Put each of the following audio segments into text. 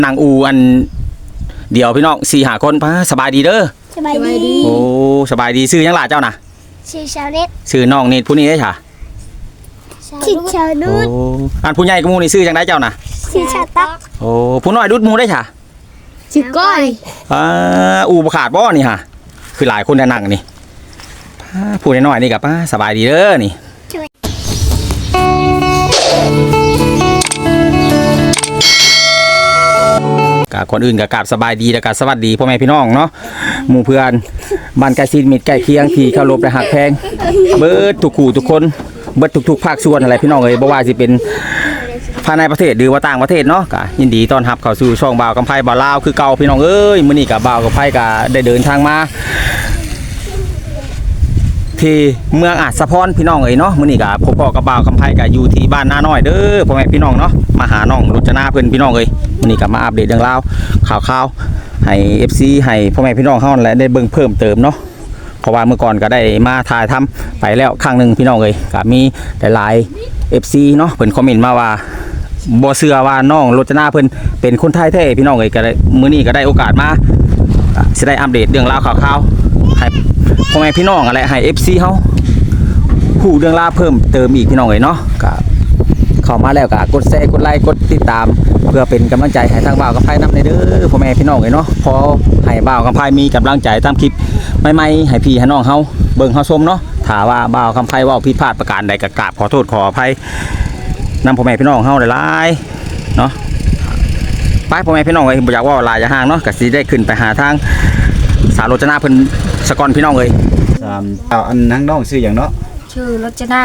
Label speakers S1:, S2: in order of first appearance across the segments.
S1: นางอูอันเดี๋ยวพี่น้อง4-5คนสบายดีเด้อ
S2: สบายดี
S1: โอ้สบายดีชื่อยังล่ะเจ้าน่ะ
S2: ชื่อชาวเน็ต
S1: ชื่อน้องนี่ผู้นี้ได้ค่ะ
S2: ชื่อชาวนุช
S1: อันผู้ใหญ่กับหมู่นี่ชื่อจังได๋เจ้าน่ะ
S2: ชื่อชาตัก
S1: โอ้ผู้น้อยดุดหมู่ได้ค่ะ
S2: ชื่อก้อย
S1: อูบ่ขาดบ่นี่ฮะคือหลายคนแน่นั่งนี่ผู้น้อยๆนี่ก็สบายดีเด้อนี่กับคนอื่นกับกราบสบายดีและกับสวัสดีพ่อแม่พี่น้องเนาะหมู่เพื่อนบ้านใกล้ชิดมิตรใกล้เคียงที่เคารพและหักแพงเบิดทุกคู่ทุกคนเบิดทุกภาคส่วนอะไรพี่น้องเอ้ยบ่ว่าสิเป็นภายในประเทศหรือว่าต่างประเทศเนาะก็ยินดีต้อนรับเข้าสู่ช่องบ่าวกำไพบ่าวลาวคือเก่าพี่น้องเอ้ยมื้อนี้ก็บ่าวกำไพก็ได้เดินทางมาที่เมืองอาจสะพรพี่น้องเอ้ยเนาะมื้อนี้ก็พบกับบ่าวกำไพก็อยู่ที่บ้านนาน้อยเด้อพ่อแม่พี่น้องเนาะมาหาน้องรจนาเพิ่นพี่น้องเอ้ยมื้อนี้ก็มาอัปเดตเรื่องราวข่าวๆให้ FC ให้พ่อแม่พี่น้องเฮาและได้เบิ่งเพิ่มเติมเนาะเพราะว่าเมื่อก่อนก็ได้มาถ่ายทำไปแล้วครั้งนึงพี่น้องเอ้ยก็มีหลายๆ FC เนาะเพิ่นคอมเมนต์มาว่าบ่เชื่อว่าน้องรจนาเพิ่นเป็นคนไทยแท้พี่น้องเอ้ยก็ได้มื้อนี้ก็ได้โอกาสมาสิได้อัปเดตเรื่องราวข่าวๆให้พ่อแม่พี่น้องอะไรให้ FC เฮาฮู้เรื่องราวเพิ่มเติมอีกพี่น้องเอ้ยเนาะก็เข้ามาแล้วก็กดแชร์กดไลค์กดติดตามเพื่อเป็นกำลังใจให้ทางบ่าวกับไผนำเด้อพ่อแม่พี่น้องเอ้ยเนาะพอให้บ่าวกับไผมีกำลังใจตามคลิปใหม่ๆให้พี่ให้น้องเฮาเบิ่งเฮาชมเนาะถ้าว่าบ่าวกับไผเว้าผิดพลาดประการใดก็กราบขอโทษขออภัยนำพ่อแม่พี่น้องเฮาหลายๆเนาะไปพ่อแม่พี่น้องเอ้ยบ่อยากว่าหลายอย่าห่างเนาะก็สิได้ขึ้นไปหาทางสาวรจนาเพิ่นสกอนพี่น้องเอ้ย
S3: อันทั้งน้องชื่อหยังเนาะ
S2: ชื่อรจนาร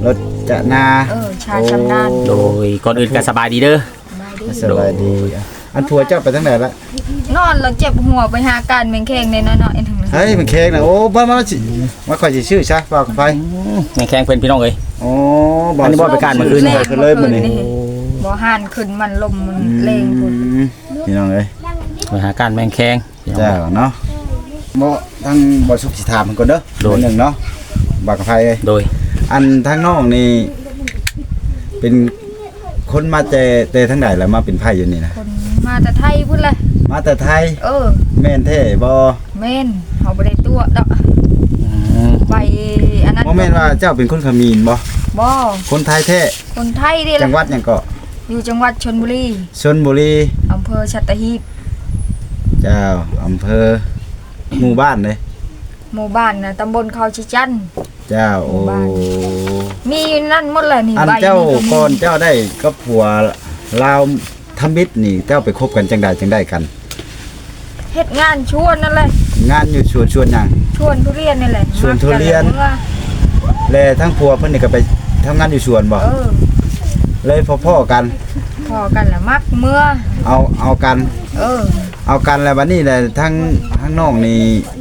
S3: จนา
S2: ชาชำนาญ
S1: โดยก่อนอื่นก็สบายดีเด้อ
S3: สบายดีอันผัวเจ้าไปทางไหนละ
S2: นอนแล้วเจ็บหัวไปหาการแมงแข้งในน้อยๆทั้งนั้น
S3: เฮ้ยมันแข้งนะโอ้บ้ามาสิมาค่อยสิชื่อซะบ่าวไผ
S1: แม่แข้งเพิ่นพี่น้องเอ้ย
S3: โอ้
S1: บ่อันนี้บ่ไปการมื้ออื่นนี่
S3: คือเลยมื้อนี้
S2: บ่ห่านขึ้นมันลมมันแรงพุ่น
S3: พี่น้องเอ้ย
S1: ไปหาการแม่แข้ง
S3: เจ้าเนาะบ่ทั้งบ่สุขสิถามเพิ่นก่อนเด้อโดยนึงเนาะบ่าวไผเอ้ย
S1: โดย
S3: อันทางน้องนี่เป็นคนมาแต่ทางใดแล้วมาเป็นไผอยู่นี่นะ
S2: คนมาแต่ไทยพุ่นเลย
S3: มาแต่ไทยแม่นแท้บ่
S2: แม่นเฮาบ่ได้ตัวดอกไปอันนั้น
S3: บ่แม่นว่าเจ้าเป็นคนเขมรบ่คนไทยแท้
S2: คนไทยเด้
S3: จังหวัดหยังก็
S2: อยู่จังหวัดชลบุรีอำเภอสัตหีบ
S3: เจ้าอำเภอหมู่บ้านเลย
S2: หมู่บ้านน่ะตำบลเขาชิจัน
S3: เจ้าโอ้
S2: มีนั่นหมดเลยนี่
S3: อันเจ้าก่อนเจ้าได้กับผัวลาวทำมิตรนี่เจ้าไปคบกันจังได้กัน
S2: เฮ็ดงานชวนนั่นแหละ
S3: งานอยู่ชวนหยัง
S2: ชวนทุเรียนนี่แหละ
S3: ชวนทุเรียนแล้วทั้งผัวเพิ่นนี่ก็ไปทำงานอยู่สวนบ่เลยพ่อกัน
S2: แล้วมักเมื่อ
S3: เอากันเอากันแล้วบัดนี้แหละทั้งน้องนี่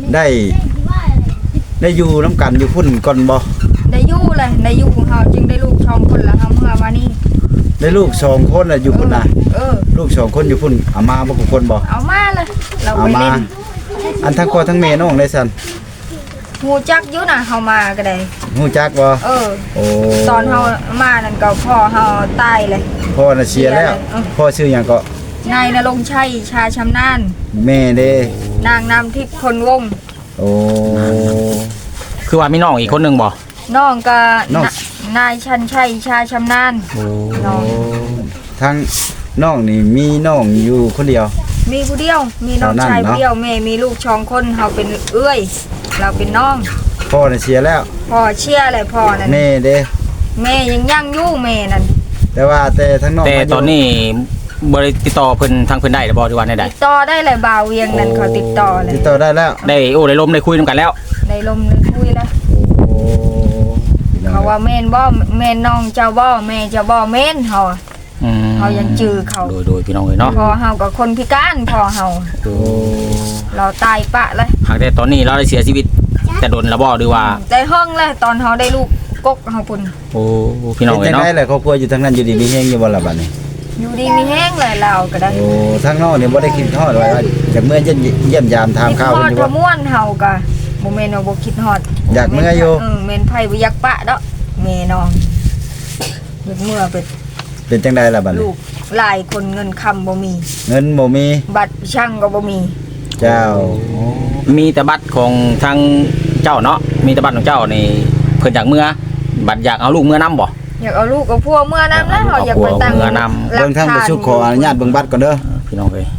S3: ได้อยู่น้ำกันอยู่พุ่นก่อนบ่
S2: ได้อยู่เลยได้อยู่ของเฮาจึงได้ลูก2คนแล้วเฮาเมื่อวานี้
S3: ได้ลูก2คนแล้วอยู่พุ่นน่ะลูก2คนอยู่พุ่นเอามาบ่คนบ่
S2: เอามาเลยเราไปเล่น
S3: อันทั้งพ่อทั้งแม่น้องได้ซั่น
S2: ฮู้จักอยู่น่ะเฮามาก็ได้
S3: ฮู้จักบ่
S2: โอ้ตอนเฮามานั่นก็พ่อเฮาตายเลย
S3: พ่อน่ะเสียแล้วพ่อชื่อหยังก็
S2: นายณรงค์ชัยชาชำนาญ
S3: แม่เด้
S2: นางน้ำทิพย์คนวง
S3: โอ้
S1: คือว่ามีน้องอีกคนนึงบ่
S2: น้องก็นายชันชัยชาชำนาญ
S3: น้องทั้งน้องนี่มีน้องอยู่คนเดียว
S2: มีผู้เดียวมีน้องชายผู้เดียวแม่มีลูก2คนเฮาเป็นเอื้อยเราเป็นน้อง
S3: พ่อน่ะเสียแล้ว
S2: พ่อเชียร์เลยพ่อนั่น
S3: แม่เด้
S2: แม่ยังอยู่แม่นั่น
S3: แต่ทั้งน้อง
S1: แต่ตอนนี้บ่ได้ติดต่อเพิ่นทางเพิ่นได้บ่หรือว่าได้
S2: ติดต่อได้เลยบ่าวเวียงนั่นเขาติดต่อ
S3: ได้แล้ว
S1: ได้ได้ลมได้คุยนำกันแล้ว
S2: ได้ลมได้คุยแล้วเขาว่าแม่นบ่แม่นน้องเจ้าบ่แม่เจ้าบ่แม่นเฮายังจื้อเขา
S1: โดยพี่น้องเอ้ยเนาะ
S2: พอเฮาก็คนพิการพอเฮาเราตายปะเลย
S1: หากแต่ตอนนี้เราได้เสียชีวิตแต่โดนแล้วบ่หรือว่า
S2: ได้ห้องเลยตอนเฮาได้ลูกกกเฮาพุ่น
S1: โอ้พี่น้องเอ้ยเนาะ
S3: จังได๋แหละครอบครัวอยู่ทางนั้นอยู่ดีมีแฮงอยู่บ่ล่ะบัดนี้
S2: อยู่ดีมีแห้งเลยเราก็ได้
S3: โอ้ทางนอกนี่บ่ได้คิดฮอดว่าจากเมื่อเยี่ยมยามถามข่าวเพิ่นอยู่
S2: ว่าม่วนเฮาก็บ่แม่นว่าบ่คิดฮอด
S3: อยากเมื่ออยู่
S2: แม่นไผบ่อยากปะดอกแม่น้องอยากเมื่อไป
S3: เป็นจังไดล่ะบัด
S2: ลู
S3: นี้
S2: กหลายคนเงินคำบ่มี
S3: เงินบ่มี
S2: บัตรช่างก็บ่มี
S3: เจ้า
S1: มีแต่บัตรของทางเจ้าเนาะมีแต่บัตรของเจ้านี่เพิ่นอยากเมื่อบัตรอยากเอาลูกเมื่อนํบ่
S2: อยากเอาลูกกับพัวเมื่อนั้นนะเขาอยากไปตั้ง
S1: เมื่อนำ
S3: เบิ่งทางประชุมขออนุญาตเบิ่งบัตรก่อนเด้อ
S1: พี่น้องเอ้ย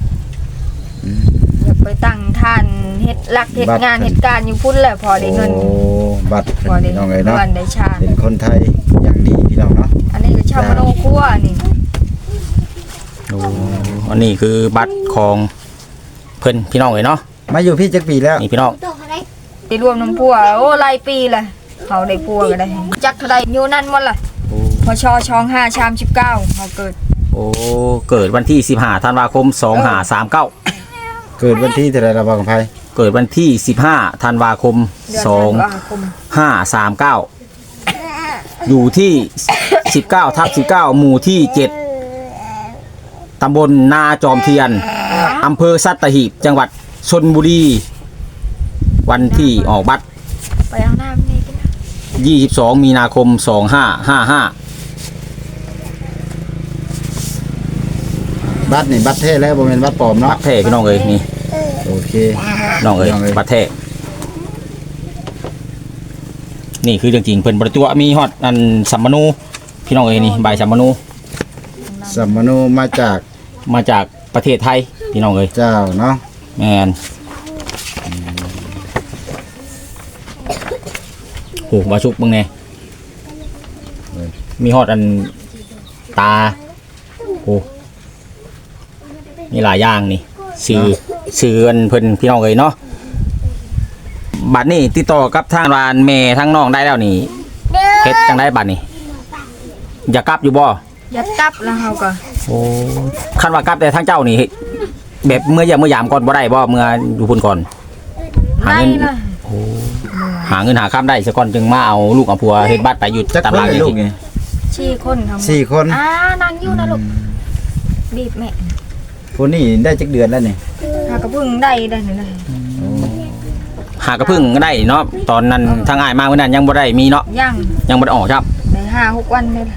S2: อยากไปตั้งท่านเฮ็ดหลักเฮ็ดงานเฮ็ดการอยู่พุ่นแหละพอได้เงิน
S3: โอ้บัตร
S2: พอได้
S3: พี่น้องเอ้ยเนาะ
S2: เงินได้ชาติ
S3: เป็นคนไทยอย่างดีพี่น้องเนาะ
S2: อันนี้ก็ชาวมโนครัวนี่
S1: อันนี้คือบัตรของเพิ่นพี่น้องเอ้ยเนาะ
S3: มาอยู่พี่จักปีแล้ว
S1: นี่พี่น้อง
S2: ไปรวมน้ำพัวโอ้หลายปีเลยเขาได้พัวก็ได้จักเท่าใดอยู่นั่นหมดล่ะพชช่อง5ชาม19เขาเกิด
S1: โอ้เกิดวันที่15ธันวาคม2539
S3: เกิดวันที่เท่าไหร่ละบ่กับไผ
S1: เกิดวันที่15ธันวาคม
S2: เดือนธันวาคม
S1: 2539อยู่ที่19/19หมู่ที่7ตำบลนาจอมเทียนอำเภอสัตหีบจังหวัดชลบุรีวันที่ออกบัตร
S2: ไปเอาน้ำนี่กันนะ
S1: 22 มีนาคม 2555
S3: บัตรนี่บัตรแท้แล้วบ่แม่นบัตรปลอม
S1: บั
S3: เนาะ
S1: ตรแท้พี่น้องเอ้ยนี่
S3: โอเค
S1: น้องเอ้ย
S3: น้องเอ้ย
S1: บัตรแท้นี่คือเรื่องจริงเพิ่นบ่ได้ตัวมีฮอดอันสัมมนูพี่น้องเอ้ยนี่ใบสัมมนู
S3: สัมมโนมาจาก
S1: มาจากประเทศไทยพี่น้องเอ้ย
S3: เจ้าเนาะ
S1: แม่นโหบาชุกเบิ่งแน่มีฮอดอันตาโอ้มีหลายอย่างนี่สื่ออันเพิ่นพี่น้องเอ้ยเนาะบัดนี้ติดต่อกับทางร้านแม่ทางน้องได้แล้วนี่เฮ็ดจังได๋บัดนี้อยากกลับอยู่บ่
S2: ยัดตับแล้วเขาก็
S1: โอ้คันว่ากลับแต่ทางเจ้านี่แบบเมื่อเมื่อยามก่อนบ่ได้บ่เมื่ออยู่พุ่นก่อนหา
S2: ได้
S1: เงิน
S2: ละ
S1: โอ้หาเงินหาข้ามได้ซะก่อนจึงมาเอาลูกเอาผัวเฮ็ดบัตรไปอยู่
S3: จัก
S1: ตาม
S3: คน
S1: หลัง
S3: เลย
S1: นี่
S3: ลูกนี่
S2: 4 คนทั้งหมด
S3: สี่คน
S2: นั่งอยู่นะลูกบีบแม่
S3: ผู้นี้ได้จักเดือนแล้วนี่
S2: หากระพึ่งได้นี่นะ
S1: หากระพึ่งก็ได้เนาะตอนนั้นทางอ้ายมาเมื่อนั้นยังบ่ได้มีเนาะ
S2: ยัง
S1: ยังบ่ได้ออกครับ
S2: ได้5-6 วันนี่ล่ะ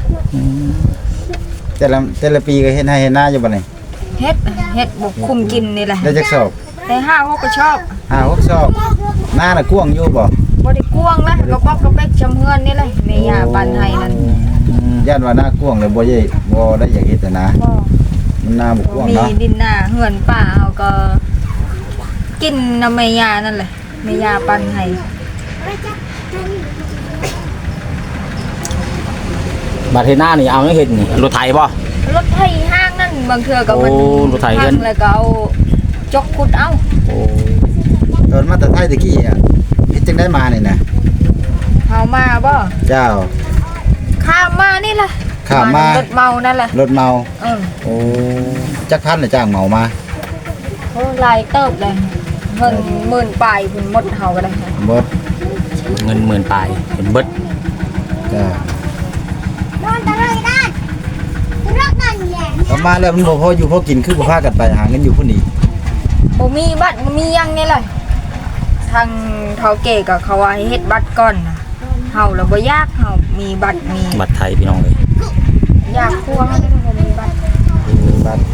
S3: แต่ละปีก็เฮ็ดให้เฮ็ดหน้าอยู่บ่นี่
S2: เฮ็ดบ่คุมกินนี่แหละ
S3: ได้จักสอบ
S2: ได้5-6ก็ชอบ
S3: 6สอบหน้าน่ะกว้างอยู่บ่
S2: บ่ได้กวงนะกระป๊อกกระเป๊กชำเฮือนนี่เลยแม่ย่าปันให้นั่น
S3: ย่านว่าหน้ากว้างแล้วบ่ได้อยากเฮ็ดแต่นะ
S2: บ่
S3: มันหน้าบ่กว้าง
S2: มี
S3: เนาะ
S2: ดินหน้าเฮือนป้าเฮาก็กินน้ำแม่ย่านั่นแหละแม่ย่าปันให้
S1: บัตรเฮ็ดหน้านี่เอาจังเฮ็ดนี่รถไถบ่
S2: รถไถห้างนั่นบางเทื่อก็มัน
S1: โอ้รถไถเงิน
S2: พังแล้วก็เอาจกขุดเอา
S1: โอ้
S3: ตอนมาแต่ไทยตะกี้อ่ะเฮ็ดจังได้มานี่นะ
S2: เฮามาบ่
S3: เจ้า
S2: ข้ามมานี่ล่ะ
S3: ข้ามมา
S2: รถเมานั่นแหละ
S3: รถเมา
S2: เออ
S3: โอ้จักพันน่ะจ้างเหมามา
S2: โอ้หลายเติบเลยเงินหมื่นปลายพุ่นหมดเฮาก็ได้
S3: หมด
S1: เงิน10,000ปลายเป็นเบิด
S3: จ้า
S4: Con ta rơi đây. Rất là nhẹ.
S3: เอามาแล้วมันบ่พออยู่พอกินคือบ่พากันไปหาเงินอยู่พุ่นนี่
S2: บ่มีบัตรบ่มีหยังนี่เลยทางเฒ่าเก๋ก็เขาว่าให้เฮ็ดบัตรก่อนน่ะเฮาแล้วบ่อยากเฮามีบัตรมี
S1: บัตรไทยพี่น้องเอ้ย
S2: อยากครัวเฮานี่บ่มีบัตร
S3: บัตร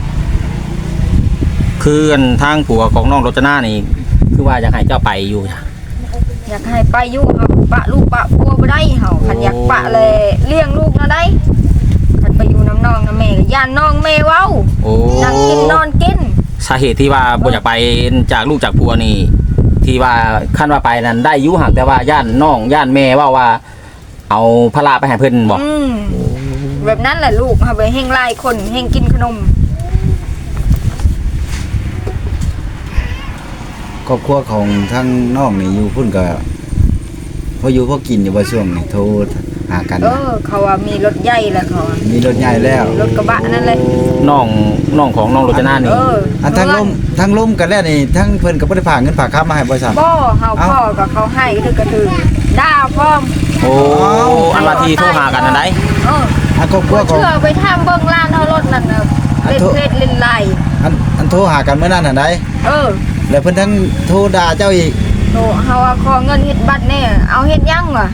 S1: คืออันทางผัวของน้องรจนานี่คือว่าอยากให้เจ้าไปอยู่จ้ะ
S2: อยากให้ไปอยู่เฮาปะลูกปะพัวบ่ได้เฮาคันอยากปะเลยเลี้ยงลูกนะได้คันไปอยู่น้ำน้องน้ำแม่ก็ย่านน้องแม่เว้า
S1: โอ้
S2: นั่งกินนอนกิน
S1: สาเหตุที่ว่าบ่อยากไปจากลูกจากผัวนี่ที่ว่าขั้นว่าไปนั้นได้อยู่หักแต่ว่าย่านน้องย่านแม่ว่าเอาพระลาไปให้เพิ่นบอก
S2: แบบนั้นแหละลูกเฮาไปแห่งหลายคนแห่งกินขนม
S3: ครอบครัวของทั้งน้องนี่อยู่พุ่นก็พออยู่พอกินอยู่ว่าช่วงนี่โทรหากัน
S2: เขาว่ามีรถใหญ่แล้วเขาว่า
S3: มีรถใหญ่แล้ว
S2: รถกระบะนั่นเลย
S1: น้องของน้องรจนานี่
S3: อันทั้งล้มกันแล้วนี่ทั้งเพิ่นก็บ่ได้ฝากเงินฝากค้ามาให้บ่ซั่น
S2: บ่เฮาพ่อกับเขาให้คือกระถือด่าพร้อม
S1: โอ้อันว่าที่โทรหากันอันใด
S3: อันครอบครัวของ
S2: เชื่อไปทำเบิ่งร้านเฮารถนั่นน่ะเล่นเพชรเล่นไล่
S3: อันโทรหากันเมื่อนั้นหั่นใดแล้วเพิ่นทั้งโทรด่าเจ้าอีก
S2: โตเฮาว่าขอเงินเฮ็ดบัตรแน่เอาเฮ็ดยังวะ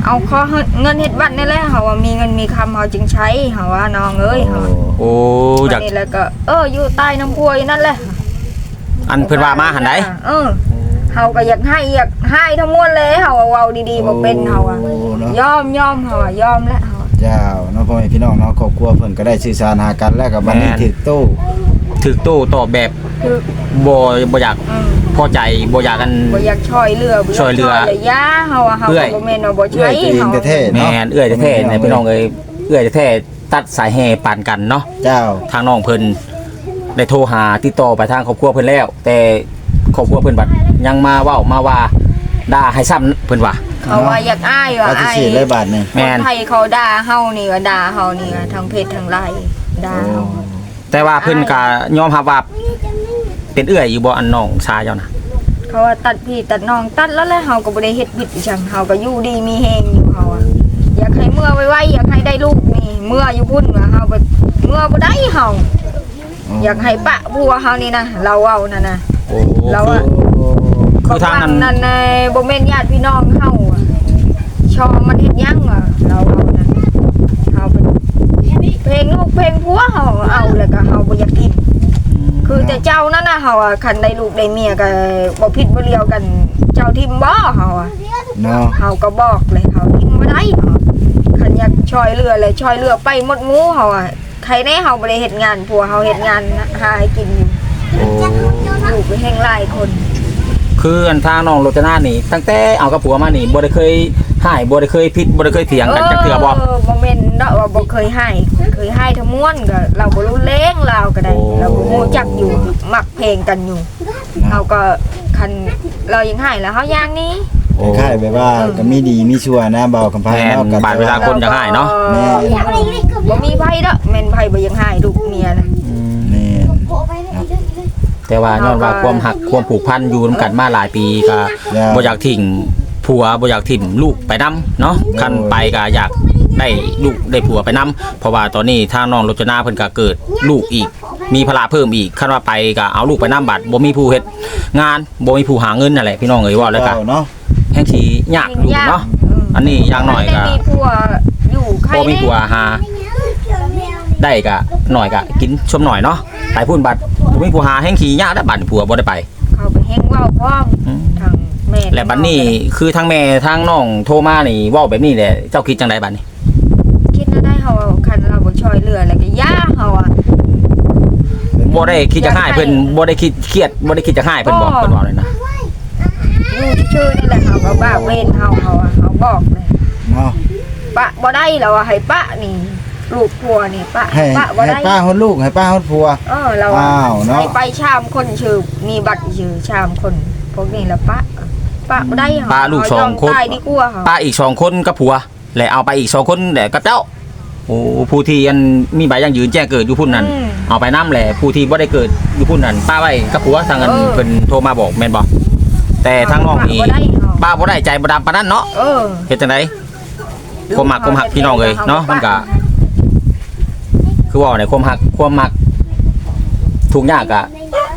S2: เอาข้อเงินเฮ็ดบัตรนี่แหละเฮาว่ามีเงินมีคำเฮาจึงใช้เฮาว่าน้องเอ้ยเฮา
S1: โอ้อยาก
S2: นี่แล้วก็อยู่ใต้น้ำพุอยู่นั่นแหละ
S1: อันเพิ่นว่ามาหันใด
S2: เฮาก็อยากให้ทั้งมวลเลยเฮาเว้าดีๆบ่เป็นเฮาอ่ะ
S3: โอ้เนาะ
S2: ยอมเฮาอ่ะยอมแล้วเฮา
S3: เจ้าเนาะพ่อแม่พี่น้องเนาะครอบครัวเพิ่นก็ได้สื่อสารหากันแล้วก็บัดนี้ถึกโต
S1: ถึกโต้ตอบแบบ
S2: คือ
S1: บ่อยากพอใจบ่อยากกัน
S2: บ่อยากช่วยเหลือบ่
S1: ช่วยเหลือ
S2: ยาเฮาอ่ะเฮา
S1: เอื้อย
S2: ก็บ่แม่นว่าบ่
S3: เอื้อ
S2: ใช้
S3: ยตัวเอง
S2: เฮา
S3: แท้ๆ
S1: แม่
S3: เนาะ
S1: นเอื้อยแท้ๆเนี่ยพี่น้องเอ้ยเอื้อยแท้ๆตัดสายแห่ปานกันเนาะ
S3: เจ้า
S1: ทางน้องเพิ่นได้โทรหาติดต่อไปทางครอบครัวเพิ่นแล้ว แต่ครอบครัวเพิ่นบัดยังมาเว้ามาว่าด่าให้ซ้ำเพิ่นว่า
S2: เขาว่าอยากอ้ายว่า
S3: ปฏิ
S2: อ้าย
S3: เสธเลยบาดนี่
S1: แม่น
S2: คนไทยเขาด่าเฮานี่ว่าด่าเฮานี่ว่าทั้งเพศทั้งไลน์ด่าเฮา
S1: แต่ว่าเพิ่นก็ยอมรับว่าเป็นเอื้อยอยู่บ่อันน้องชายเจ้านะ
S2: เขาว่าตัดพี่ตัดน้องตัดแล้วแหละเฮาก็บ่ได้เฮ็ดผิดอีจังเฮาก็อยู่ดีมีแฮงอยู่เฮาอะอยากให้เมื่อไวๆอยากให้ได้ลูกนี่เมื่ออยู่พุ่นว่าเฮาบ่เมื่อบ่ได้เฮาอยากให้ปะผัวเฮานี่นะเราเว้านั่นน่ะ
S1: โอ้
S2: เราอะ
S1: คือทางนั้น
S2: นั่นในบ่แม่นญาติพี่น้องเฮาอะชอมันเฮ็ดหยังวะเราเว้านั่นเฮาเป็นเพลงลูกเพลงผัวเฮาเอาแล้วก็เฮาบ่อยากกิน คือแต่เจ้านั่นน่ะเฮาอะคันได้ลูกได้เมียก็บ่ผิดบ่เลียวกันเจ้าทิมบ่เฮาอะ
S3: เนาะ
S2: เฮาก็บอกเลยเฮาทิมบ่ได้เฮาคันอยากช่วยเหลือเลยช่วยเหลือไปหมดหมู่เฮาอะใครแน่เฮาบ่ได้เฮ็ดงานผัวเฮาเฮ็ดงานหาให้กินอยู่
S1: โอ้
S2: ลูกไปแห่งหลายคน
S1: คืออันทางน้องโรจนานี่ตั้งแต่เอากับผัวมานี่บ่ได้เคยหายบ่ได้เคยผิดบ่ได้เคยเถียงกันจักเทื่อบ่
S2: บ่แม่นเนาะว่าบ่เคยให้ทั้งมวลก็เราบ่รู้เลงเราก็ได้
S1: โอ้
S2: เราบ่ฮู้จักอยู่มักเพลงกันอยู่เฮาก็คันเรายังให้แล้วเฮาอย่างนี้
S3: คล้ายๆแบบว่าก็มีดีมีชั่วนะเบาคำพาย
S1: แม่น
S3: เนาะกัน
S1: บาดเวลา คนจะให้เนาะ
S3: แม่
S2: บ่มีไผเด้อแม่นไผบ่ยังให้ลูกเมียนะ
S3: แม่น
S1: แต่ว่าย้อนว่าความหักความผูกพันอยู่นํกันมาหลายปีก็บ่อยากทิ้งผัวบ่อยากทิ้งลูกไปนํเนาะคันไปก็อยากได้ลูกได้ผัวไปนํเพราะว่าตอนนี้ทางน้องโรจนาเพิ่นก็เกิดลูกอีก มีภาระเพิ่มอีกคันว่าไปก็เอาลูกไปนํบัดบ่มีผู้เฮ็ดงานบ่มีผู้หาเงินนั่นแหละพี่น้องเอ้ยว่าแล้วก็
S3: เจ้าเนาะ
S1: แห่งสิยากอยู่เนาะอันนี้อย่างน้อยก็
S2: ได้มีผัวอยู่ใคร
S1: บ่มีผัวหาได้ก็หน่อยก็กินชมหน่อยเนาะไปพุ่นบัดบ่มีผู้หาแห่งขี้ยากแล้วบัดผัวบ่ได้ไป
S2: เขาไปแฮงเว้าพร้อมทางแม่
S1: และบัดนี้คือทั้งแม่ทั้งน้องโทรมานี่เว้าแบบนี้แหละเจ้าคิดจังไดบัดนี้
S2: คิดนะได้เฮาคันเราบ่ช่วยเหลือแล้วก็ย่าเฮาอ่ะ
S1: บ่ได้คิดจะให้เพิ่นบ่ได้คิดเครียดบ่ได้คิดจะให้เพิ่นบอกเพิ่นว่าเลยนะ
S2: อยู่ชื่อๆนี่แหละเฮาก็บ้าเว้นเฮาอ่ะเฮาบอกเลย
S3: เนาะ
S2: ปะบ่ได้แล้วอะให้ปะนี่ลูกผัวนี่ปะ
S3: ให้
S2: ปะบ่
S3: ให้
S2: ได้
S3: ป้าฮอดลูกให้ป้าฮอดผัว
S2: เราอะ
S3: อ้าวเนาะ
S2: ให้ไปชามคนชื่อมีบัตรชื่อชามคนพวกนี้แล้วปะบ่ได้เหรอ
S1: ป้าลูก
S2: เฮ
S1: สองคน
S2: ยมตายดีกว่าเหรอ
S1: ป้าอีก2คนกับผัวและเอาไปอีก2คนแหละกับเจ้าโอ้ผู้ที่อันมีใบยังยืนแจ้งเกิดอยู่พุ่นนั่นเอาไปนำแหละผู้ที่บ่ได้เกิดอยู่พุ่นนั่นป้าไว้กับผัวทางอันเพิ่นโทรมาบอกแม่นบ่แต่ทางน้องนี่
S2: ปะบ่ได้เหรอ
S1: ป้าบ่ได้ใจบ่ดำปานนั้นเนาะ
S2: เออ
S1: เฮ็ดจังไดความมักความหักพี่น้องเอ้ยเนาะมันก็คือว่าในความหักความมักทุกอย่างก็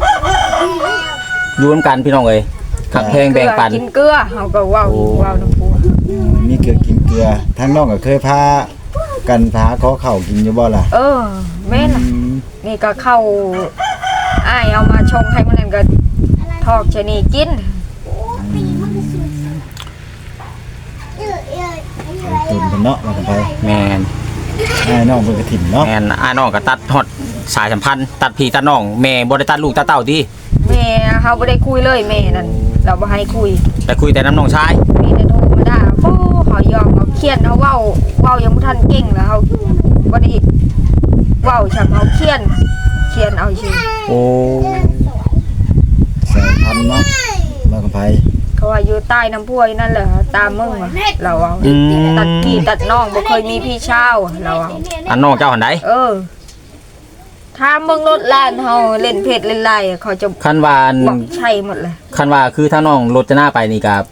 S1: อยู่นำกันพี่น้องเอ้ยหักแพงแบ่งปัน
S2: กินเกลือเฮาก็เว้าอยู่
S1: โอ้
S2: เว้าน้ำผัว
S3: มีเกลือกินเกลือทั้งน้องก็เคยพากันพาขอข้าวกินอยู่บ่ล่ะ
S2: แม่นล่ะ
S3: อืม
S2: นี่ก็เข้าอ้ายเอามาชงให้มันนั่นก็ทอกชะนีกิน
S3: ตุนเพิ่นเนาะว่ากันไป
S1: แม่น
S3: ให้น้องเพิ่นก็ถิ่มเนาะ
S1: แม่นอ้ายน้องก็ตัดฮอดสายสัมพันธ์ตัดพี่ตัดน้องแม่บ่ได้ตัดลูกตัดเต้าติ
S2: แม่เฮาบ่ได้คุยเลยแม่นั่นเราบ่ให้คุย
S1: แต่คุยแต่น้ำน้องชาย
S2: มีแต่โทรมาด่าโอ้ขอยอมเอาเขียนเอาเว้ายังบ่ทันเก่งแล้วเฮาบ่ได้เว้าช่างเฮาเขียนเอาชื่อ
S1: โอ้
S3: สายพันธุ์เนาะว่ากันไป
S2: เขาว่าอยู่ใต้น้ำพุนั่นแหละตามมึงว่ะเราเอา
S1: อืม
S2: ตัดพี่ตัดน้องบ่เคยมีพี่ชาวเราเอา
S1: อันน้องเจ้าหันใด
S2: ถ้ามึงรถลานเฮาเล่นเพจเล่นไลน์เขาจะ
S1: คันว่าอัน
S2: บอกใช่หมดเลย
S1: คันว่าคือถ้าน้องรถจะหน้าไปนี่ก็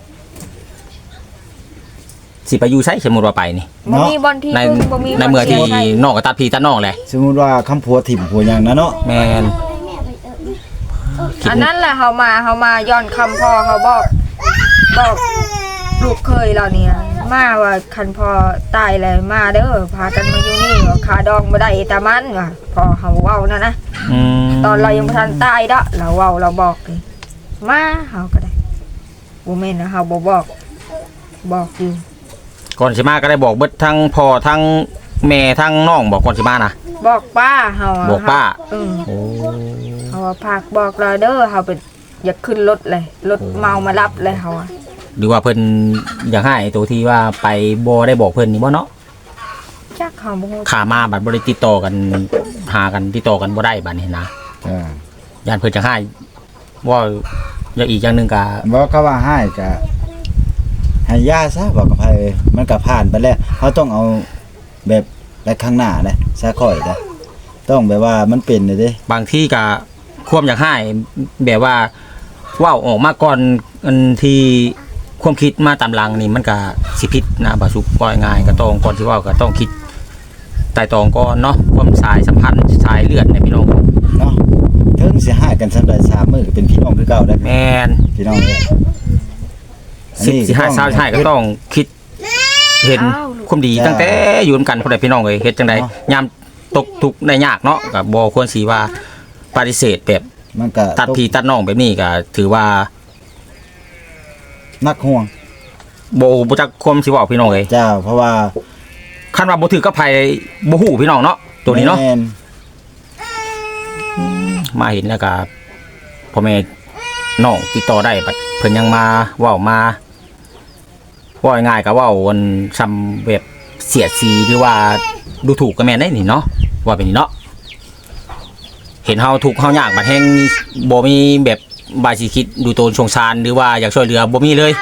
S1: สิไปอยู่ไสสมมุติว่าไปนี่
S2: บ่มีบอลที่
S1: ใน
S2: พึ่งบ่มี
S1: ในเมื่อที่
S2: ใช่
S1: น้องก็ตัดพี่ตัดน้องแหละ
S3: สมมุติว่าคำผัวถิ่มผัวหยังนะเนาะ
S1: แม่นคิด
S2: อันนั้นแหละเฮามาย้อนคำพ่อเขาบอกลูกเคยเราเนี่ยมาว่าคันพอตายแล้วมาเด้อพากันมาอยู่นี่ว่าขาดองบ่ได้ตามันว่าพอเฮาเว้านั่นนะ ตอนเรายังบ่ทันตายเด้อเราเว้าเราบอกเลยมาเฮาก็ได้บ่แม่นนะเฮาบ่บอกอยู่
S1: ก่อนสิมาก็ได้บอกเบิดทั้งพ่อทั้งแม่ทั้งน้องบอกก่อนสิมานะ
S2: บอกป้าเฮาะ
S1: บอกป้า
S2: เออ
S1: โอ้
S2: เฮาว่าพากบอกเราเด้อเฮาไปอยากขึ้นรถเลยรถเมามารับเลยเฮาอะ
S1: หรือว่าเพิ่นอยากให้ตัวที่ว่าไปบ่ได้บอกเพิ่นนี่บ่เนาะ
S2: จักเฮาบ่ฮู้
S1: ขามาบัดบ่ได้ติดต่อกันหากันติดต่อกันบ่ได้บัดนี้นะ
S3: จ้า
S1: ย่านเพิ่นจะให้ว่าอย่างอีกอย่างหนึงก็
S3: บ่เขาว่าให้ก็ให้ย่าซะบอกกับไผมันก็ผ่านไปแล้วเขาต้องเอาแบบไปข้างหน้าเด้ซะค่อยเด้ต้องแบบว่ามันเป็นเด้
S1: บางที่ก็ความอยากให้แบบว่าเว้าออกมาก่อนอันที่ความคิดมาตามหลังนี่มันก็สิผิดนะบ่สุกว่าง่ายก็ต้องก่อนสิเว้าก็ต้องคิดไต่ตรองก่อนเนาะความสายสัมพันธ์สายเลือดเนี่ยพี่น้อง
S3: เนาะถึงสิหากันสำาได้3มื้อก็เป็นพี่น้องคือเก่าได้
S1: แม่น
S3: พี่น้องเด้อ
S1: สิหาเช้าใช่ก็ต้องคิดเห็นความดีตั้งแต่อยู่นำกันพ่อแม่พี่น้องเอ้ยเฮ็ดจังไดยามตกทุกข์ได้ยากเนาะก็บ่ควรสิว่าปฏิเสธแบบ
S3: มันก็
S1: ตัดพี่ตัดน้องแบบนี้ก็ถือว่า
S3: นักห่วง
S1: บ่จักความสิเว้าพี่น้องเอ้ย
S3: เจ้าเพราะว่า
S1: คันว่าบ่ถือกับไผบ่ฮู้พี่น้องเนาะตัวนี้เนาะ
S3: แม่
S1: มาเห็นแล้วก็พ่อแม่น้องติดต่อได้บัดเพิ่นยังมาเว้ามาเว้าง่ายๆก็เว้าอันซ้ำแบบเสียดสีหรือว่าดูถูกก็แม่นได้นี่เนาะว่าเป็นนี่เนาะเห็นเฮาทุกข์เฮายากบัดแฮงบ่มีแบบบายสิคิดดูโตนสงสารหรือว่าอยากช่วยเหลือบ่มีเลย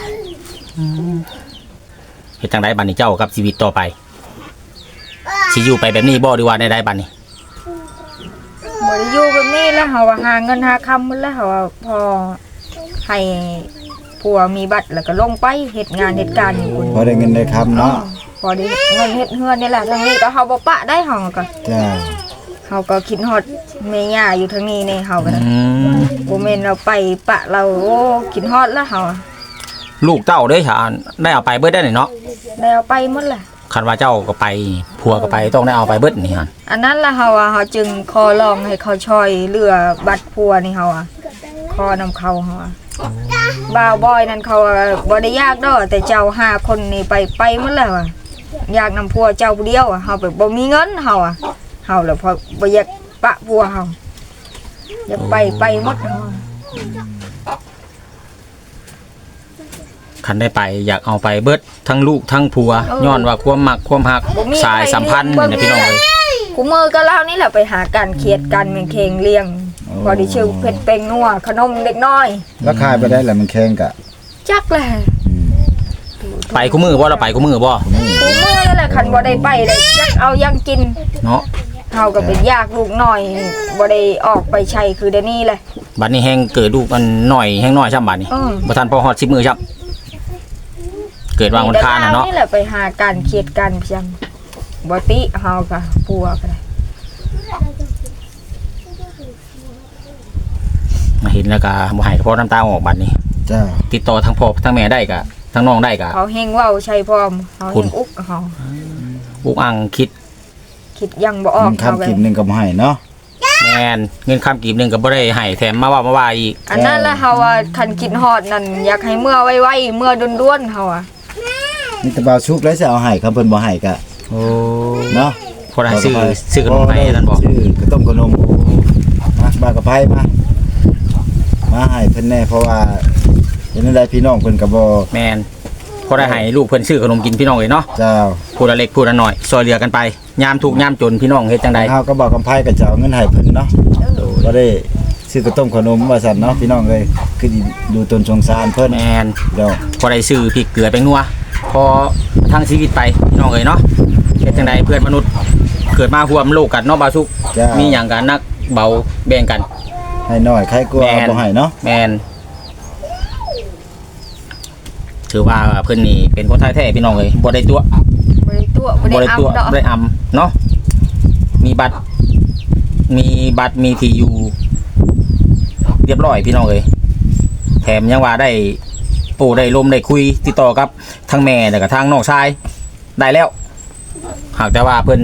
S1: เฮ็ดจังไดบัดนี้เจ้ากับชีวิตต่อไปสิอยู่ไปแบบนี้บ่หรือว่าได้บัดนี้
S2: บ่ได้อยู่แบบนี้แล้วเฮาว่าหาเงินหาคำหมดแล้วเฮาว่าพอให้ผัวมีบัตรแล้วก็ลงไปเฮ็ดงานเฮ็ดการอยู่พุ่น
S3: พอได้เงินได้คำเนาะ
S2: พอได้เงินเฮ็ดเฮือนนี่แหละทางนี้ก็เฮาบ่ปะได้เฮาก็
S3: จ้า
S2: เฮาก็คิดฮอดแม่ย่าอยู่ทางนี้นี่เฮาก็ได้
S1: อืม
S2: บ่แม่นเราไปปะเราโอ้คิดฮอดแล้วเฮาอะ
S1: ลูกเต้าเด้ฉานได้เอาไปเบิดได้นี่เนาะ
S2: ได้เอาไปหมดแหละ
S1: คันว่าเจ้าก็ไปผัวก็ไปต้องได้เอาไปเบิดนี่ฮะ
S2: อันนั้นล่ะเฮาอ่ะเฮาจึงขอร้องให้เขาช่วยเหลือบัตรผัวนี่เฮาอ่ะขอนำเขาเฮาอ่ะบ่าวบอยนั่นเขาอะบ่ได้ยากดอกแต่เจ้า5คนนี่ไปหมดแล้วอ่ะอยากนำผัวเจ้าผู้เดียวอ่ะเฮาแบบบ่มีเงินเฮาอ่ะเฮาแล้วพอบ่อยากปะผัวเฮาอยากไปหมดเฮาอะ
S1: คันได้ไปอยากเอาไปเบิดทั้งลูกทั้งผัวย้อนว่าความมักความหัก
S2: บ่มี
S1: สายสัมพันธ์นี่นะพี่น้องเอ้ย
S2: กูมือก็เล่านี่แหละไปหาการเครียดกันแม่งเคงเลี้ยงพอได้ชื่อเผ็ดเป็งนัวขนมเด็กน้อย
S3: แล้วขายไปได้แล้วมันแข็งกะ
S2: จักแหละ
S1: ไปคู่มือบ่เราไปคู่มือบ่
S2: กูมือนั่นแหละคันบ่ได้ไปได้จักเอายังกิน
S1: เนาะ
S2: เฮาก็เป็นยากลูกน้อยบ่ได้ออกไปใช้คือเดี๋ยวนี้แหละ
S1: บัดนี้แฮงเกิดลูกมันหน่อยแฮงน้อยช่ำบัดนี้ บ่ทันพอฮอด10มื้อช่ำเกิดวางวันคานน่ะเนาะ
S2: นี่แหละไปหาการเครียดกันเพียงบ่ติเฮาก็ปัวก็ได้
S1: มาเห็นแล้วก็บ่ให้ก็พอน้ำตาออกบัดนี้
S3: จ้า
S1: ติดต่อทั้งพ่อทั้งแม่ได้ก็ทั้งน้องได้ก็
S2: เขาเฮงเว้าใช้พร้อมเฮา
S1: คุ
S2: เฮ
S1: ณ
S2: งอุกเฮา
S1: อุกอังคิด
S2: คิดยังบ่ออก
S3: มัน
S2: เฮา
S3: คำ
S2: ก็
S3: กินหนึงก็บ่ให้เนาะ
S1: แม่นเงินคำกีบหนึงก็บ่ได้ให้แถมมาว่าอีก
S2: อันนั้นละเฮาว่าคันคิดฮอดนั่นอยากให้เมื่อไวๆเมื่อด้วนๆเฮาอ่ะ
S3: นี่แต่บ่าวชุกแล้วสิเอาให้ครับเพิ่นบ่ให้ก็
S1: โอ้
S3: เนาะ
S1: พอได้ซื้อขนมให้นั่นบ่
S3: ซื้อกระต้มขนมมาบากระไผมาให้เพิ่นแน่เพราะว่าเห็นได้พี่น้องเพิ่นก็บ่
S1: แม่นพอได้ให้ลูกเพิ่นซื้อขนมกินพี่น้องเลยเนาะ
S3: เจ้า
S1: ผู้ละเล็กผู้ละน้อยซอยเหลือกันไปยามทุกข์ยามจนพี่น้องเฮ็ดจังใด
S3: เฮาก็บอกกำไผก็จะเอาเงินให้เพิ่นเนาะบ่ได้ซื้อกระต้มขนมว่าซั่นเนาะพี่น้องเอ้ยคือดูตนสงสารเพิ่น
S1: แม่น
S3: เดี๋ยว
S1: พอได้ซื้อพริกเกลือแป้งนัวพอทั้งชีวิตไปพี่น้องเอ้ยเนาะเฮ็ดจังใดเพื่อนมนุษย์เกิดมาร่วมโลกกันเนาะบาสุก
S3: จ้า
S1: มีหยังกันนักเบาแบ่งกัน
S3: ให้น้อยใครกลัว
S1: แม่น
S3: บ่ให้เนาะ
S1: แม่นถือว่าเพิ่นนี่เป็นคนไทยแท้พี่น้องเอ้ยบ่ได้ตัว
S2: บ่ได้ตัวบ่
S1: บ่
S2: ได้
S1: ได้ตัว
S2: อำดอก
S1: บ่ได้อำเนาะมีบัตรมีที่อยู่เรียบร้อยพี่น้องเอ้ยแถมยังว่าได้โอปูได้ลมได้คุยติดต่อกับทางแม่แล้วก็ทางน้องชายได้แล้วหากแต่ว่าเพิ่น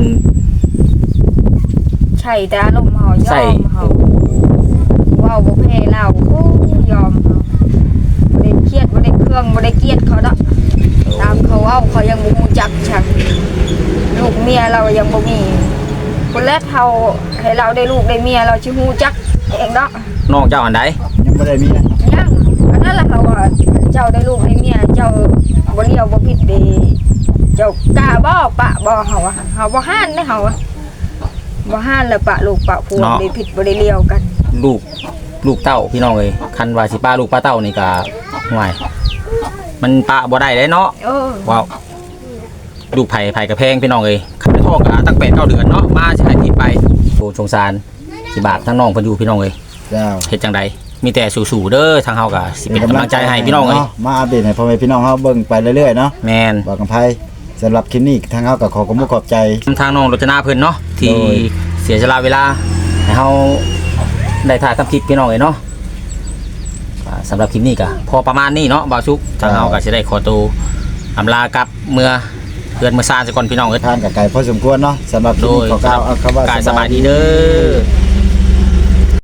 S2: ใช่แต่อารมณ์เฮาย
S1: ใส่
S2: อมเฮาเว้าบ่แพ้เราโอ้ยอมเฮาบ่ได้เครียดบ่ได้เครื่องบ่ได้เกลียดเขาดอกตามเขาเว้าเขายังบ่รู้จักชักลูกเมียเรายังบ่มีคนแรกเฮาให้เราได้ลูกได้เมียเราสิรู้จักเองดอก
S1: น้องเจ้าอันใด
S3: ยังบ่ได้มีนะ
S2: ยังอันนั้นล่ะเขาว่าเจ้าได้ลูกได้เมียเจ้าบ่เลี้ยวบ่ผิดเด้เจ้ากล้าบ่ปะบ่เฮาอะเฮาบ่ห้านเด้เฮาอะบ่ห้านแล้วปะลูกปะผัวได้ผิดบ่ได้เลี้ยวกัน
S1: ลูกเต้าพี่น้องเอ้ยคันว่าสิป้าลูกป้าเต้านี่ก็ห่วยมันป้าบ่ได้เลยเนาะ
S2: เออ
S1: ว้าวลูกไผ่กระแพงพี่น้องเอ้ยคันท้องก็ตั้ง8-9 เดือนเนาะมาสิให้ที่ไปโอ้สงสารสิบาปทั้งน้องเพิ่นอยู่พี่น้องเอ้ย
S3: เจ้า
S1: เฮ็ดจังใดมีแต่สู้ๆเด้อทางเฮาก็สิเป็นกำลังใจให้พี่น้องเอ้ย
S3: มาอัปเดตให้พ่อแม่พี่น้องเฮาเบิ่งไปเรื่อยๆเนาะ
S1: แม่น
S3: บอกกันไผสำหรับคลิปนี้ทางเฮาก็ขอบคุณขอบใจ
S1: ทางน้องรจนาเพิ่นเนาะที่
S3: โดย
S1: เสียสละเวลาให้เฮาได้ถ่ายทำคลิปพี่น้องเอ้ยเนาะสำหรับคลิปนี้ก็พอประมาณนี้เนาะบ่าวชุกทางเฮาก็สิได้ขอตัวอำลากลับเมื่อเพื่อนเมื่อซ่านซะก่อนพี่น้องเอ้ย
S3: ทานกับไก่พอสมควรเนาะสำหรับคลิปนี้ขอกล่าวเอาคำว่าก
S1: ายสบายดีเด้อ